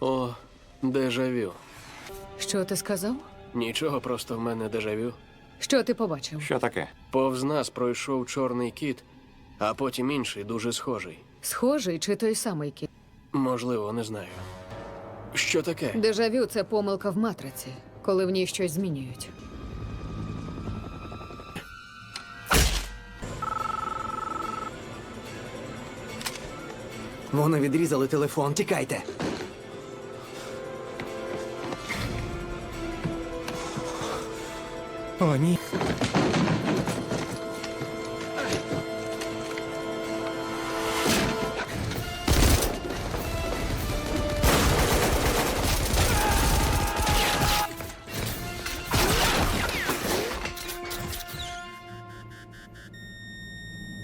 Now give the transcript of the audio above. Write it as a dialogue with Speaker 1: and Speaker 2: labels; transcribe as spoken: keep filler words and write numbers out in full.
Speaker 1: О, дежавю.
Speaker 2: Що ти сказав?
Speaker 1: Нічого, просто в мене дежавю.
Speaker 2: Що ти побачив?
Speaker 3: Що таке?
Speaker 1: Повз нас пройшов чорний кіт, а потім інший, дуже схожий.
Speaker 2: Схожий чи той самий кіт?
Speaker 1: Можливо, не знаю. Що таке?
Speaker 2: Дежавю – це помилка в матриці, коли в ній щось змінюють.
Speaker 4: Вони відрізали телефон, тікайте. О, ні.